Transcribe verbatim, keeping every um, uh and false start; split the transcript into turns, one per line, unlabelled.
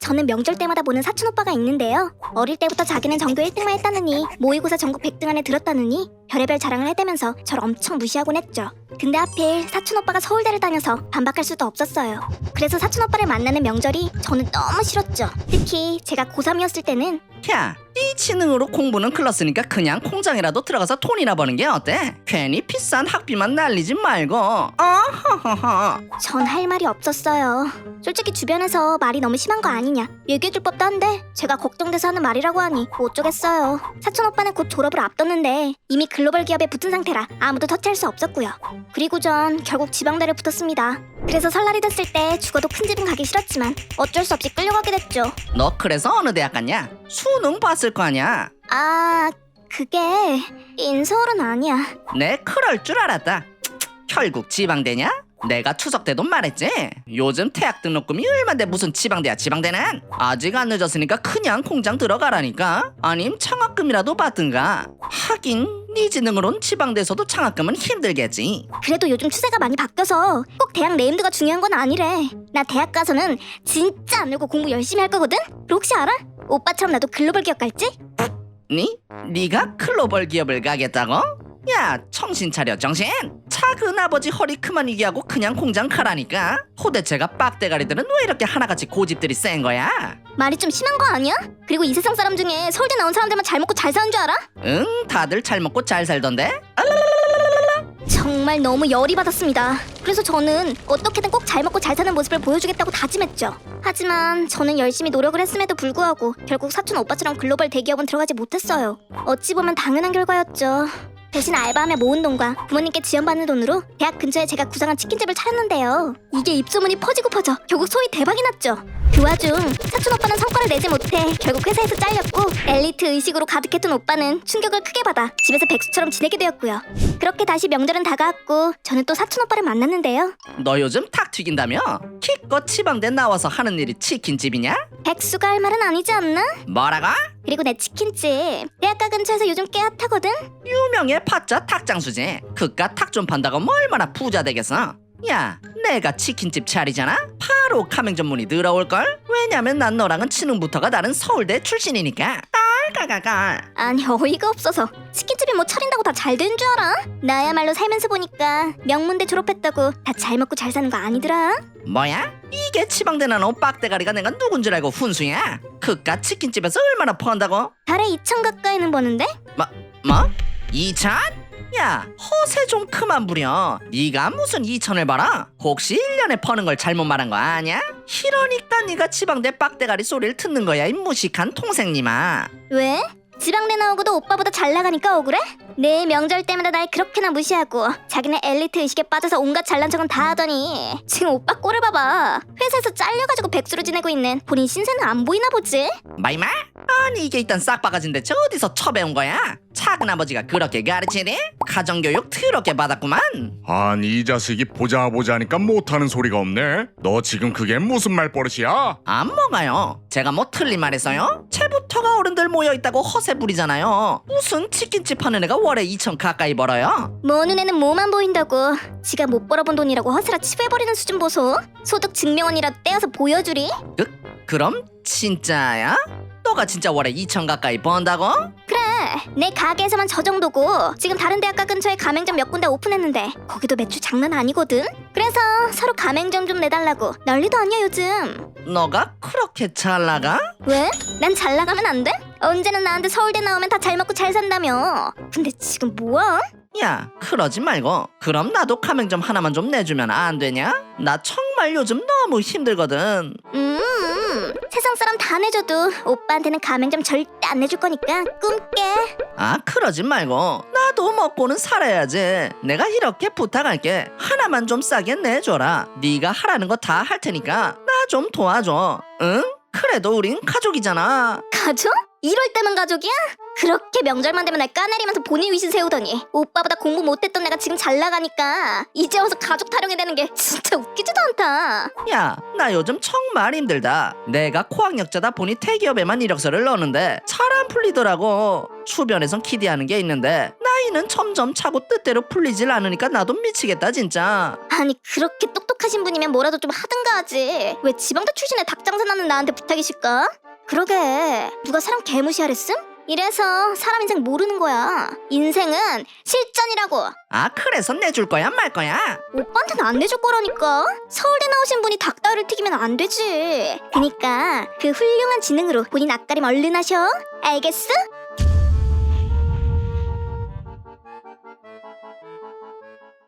저는 명절 때마다 보는 사촌 오빠가 있는데요. 어릴 때부터 자기는 전교 일 등만 했다느니 모의고사 전국 백 등 안에 들었다느니 별의별 자랑을 해대면서 저를 엄청 무시하곤 했죠. 근데 하필 사촌 오빠가 서울대를 다녀서 반박할 수도 없었어요. 그래서 사촌 오빠를 만나는 명절이 저는 너무 싫었죠. 특히 제가 고삼이었을 때는
야, 네 지능으로 공부는 클렀으니까 그냥 공장이라도 들어가서 돈이나 버는 게 어때? 괜히 비싼 학비만 날리지 말고. 어허허허.
전 할 말이 없었어요. 솔직히 주변에서 말이 너무 심한 거 아니냐 얘기해줄 법도 한데 제가 걱정돼서 하는 말이라고 하니 뭐 어쩌겠어요. 사촌 오빠는 곧 졸업을 앞뒀는데 이미 글로벌 기업에 붙은 상태라 아무도 터치할 수 없었고요. 그리고 전 결국 지방대를 붙었습니다. 그래서 설날이 됐을 때 죽어도 큰 집은 가기 싫었지만 어쩔 수 없이 끌려가게 됐죠.
너 그래서 어느 대학 갔냐? 수능 봤을 거 아니야?
아... 그게... 인서울은 아니야.
내 그럴 줄 알았다. 결국 지방대냐? 내가 추석 때도 말했지. 요즘 대학 등록금이 얼만데 무슨 지방대야. 지방대는 아직 안 늦었으니까 그냥 공장 들어가라니까. 아님 장학금이라도 받든가. 하긴 네 지능으론 지방대에서도 장학금은 힘들겠지.
그래도 요즘 추세가 많이 바뀌어서 꼭 대학 네임드가 중요한 건 아니래. 나 대학 가서는 진짜 안 놀고 공부 열심히 할 거거든? 그리고 혹시 알아? 오빠처럼 나도 글로벌 기업 갈지?
니? 네가 글로벌 기업을 가겠다고? 야, 정신 차려 정신. 작은 아버지 허리 그만 이기하고 그냥 공장 가라니까. 호대체가 빡대가리들은 왜 이렇게 하나같이 고집들이 센 거야?
말이 좀 심한 거 아니야? 그리고 이 세상 사람 중에 서울대 나온 사람들만 잘 먹고 잘 사는 줄 알아?
응, 다들 잘 먹고 잘 살던데?
정말 너무 열이 받았습니다. 그래서 저는 어떻게든 꼭 잘 먹고 잘 사는 모습을 보여주겠다고 다짐했죠. 하지만 저는 열심히 노력을 했음에도 불구하고 결국 사촌 오빠처럼 글로벌 대기업은 들어가지 못했어요. 어찌 보면 당연한 결과였죠. 대신 알바하며 모은 돈과 부모님께 지원받는 돈으로 대학 근처에 제가 구상한 치킨집을 차렸는데요. 이게 입소문이 퍼지고 퍼져 결국 소위 대박이 났죠. 그 와중 사촌 오빠는 성과를 내지 못해 결국 회사에서 잘렸고 엘리트 의식으로 가득했던 오빠는 충격을 크게 받아 집에서 백수처럼 지내게 되었고요. 그렇게 다시 명절은 다가왔고 저는 또 사촌 오빠를 만났는데요.
너 요즘 탁 튀긴다며? 기껏 지방대 나와서 하는 일이 치킨집이냐?
백수가 할 말은 아니지 않나?
뭐라고?
그리고 내 치킨집 대학가 근처에서 요즘 꽤 핫하거든?
유명해 파짜 탁장수지. 그깟 탁 좀 판다고 뭐 얼마나 부자 되겠어? 야, 내가 치킨집 차리잖아? 바로 가맹점문이 들어올걸? 왜냐면 난 너랑은 치능부터가 다른 서울대 출신이니까. 깔깔깔깔.
아니 어이가 없어서 치킨집이 뭐 차린다고 다 잘 되는 줄 알아? 나야말로 살면서 보니까 명문대 졸업했다고 다 잘 먹고 잘 사는 거 아니더라?
뭐야? 이게 지방대 나노 빡대가리가 내가 누군 줄 알고 훈수야? 그깟 치킨집에서 얼마나 번다고?
달에 이천 가까이는 버는데?
뭐? 뭐? 이천? 야, 허세 좀 그만 부려. 네가 무슨 이천을 벌어? 혹시 일 년에 버는 걸 잘못 말한 거 아니야? 이러니까 네가 지방대 빡대가리 소리를 듣는 거야, 이 무식한 통생님아.
왜? 지방대 나오고도 오빠보다 잘 나가니까 억울해? 내 명절 때마다 날 그렇게나 무시하고 자기네 엘리트 의식에 빠져서 온갖 잘난 척은 다 하더니 지금 오빠 꼴을 봐봐. 회사에서 잘려가지고 백수로 지내고 있는 본인 신세는 안 보이나 보지?
마이마? 아니 이게 일단 싹바가지인 대체 어디서 처배운 거야? 작은 아버지가 그렇게 가르치니? 가정교육 더럽게 받았구만.
아니 이 자식이 보자 보자 하니까 못하는 소리가 없네. 너 지금 그게 무슨 말버릇이야?
안 먹어요. 제가 뭐 틀린 말 했어요? 채부터가 어른들 모여있다고 허세 부리잖아요. 무슨 치킨집 하는 애가 월에 이천 가까이 벌어요?
뭐 눈에는 뭐만 보인다고 지가 못 벌어본 돈이라고 허세라 치부해버리는 수준 보소. 소득 증명원이라도 떼어서 보여주리?
그, 그럼 진짜야? 너가 진짜 월에 이천 가까이 번다고?
그래 내 가게에서만 저 정도고 지금 다른 대학가 근처에 가맹점 몇 군데 오픈했는데 거기도 매출 장난 아니거든. 그래서 서로 가맹점 좀 내달라고 난리도 아니야 요즘.
너가 그렇게 잘 나가?
왜? 난 잘 나가면 안 돼? 언제는 나한테 서울대 나오면 다 잘 먹고 잘 산다며. 근데 지금 뭐야?
야, 그러지 말고 그럼 나도 가맹점 하나만 좀 내주면 안 되냐? 나 정말 요즘 너무 힘들거든.
음 세상 사람 다 내줘도 오빠한테는 가맹점 절대 안 내줄 거니까 꿈깨.
아, 그러지 말고 나도 먹고는 살아야지. 내가 이렇게 부탁할게. 하나만 좀 싸게 내줘라. 네가 하라는 거 다 할 테니까 나 좀 도와줘. 응? 그래도 우린 가족이잖아.
가족? 이럴 때만 가족이야? 그렇게 명절만 되면 날 까내리면서 본인 위신 세우더니 오빠보다 공부 못했던 내가 지금 잘 나가니까 이제 와서 가족 타령이 되는 게 진짜 웃기지도 않다.
야, 나 요즘 정말 힘들다. 내가 코학력자다 보니 대기업에만 이력서를 넣는데 잘 안 풀리더라고. 주변에선 기대하는 게 있는데 나 따위는 점점 차고 뜻대로 풀리질 않으니까 나도 미치겠다 진짜.
아니 그렇게 똑똑하신 분이면 뭐라도 좀 하든가 하지. 왜 지방대 출신의 닭장사 나는 나한테 부탁이실까? 그러게 누가 사람 개무시하랬음? 이래서 사람 인생 모르는 거야. 인생은 실전이라고.
아 그래서 내줄 거야 말 거야?
오빠한테는 안 내줄 거라니까. 서울대 나오신 분이 닭다리를 튀기면 안 되지. 그니까 그 훌륭한 지능으로 본인 앞가림 얼른 하셔. 알겠어?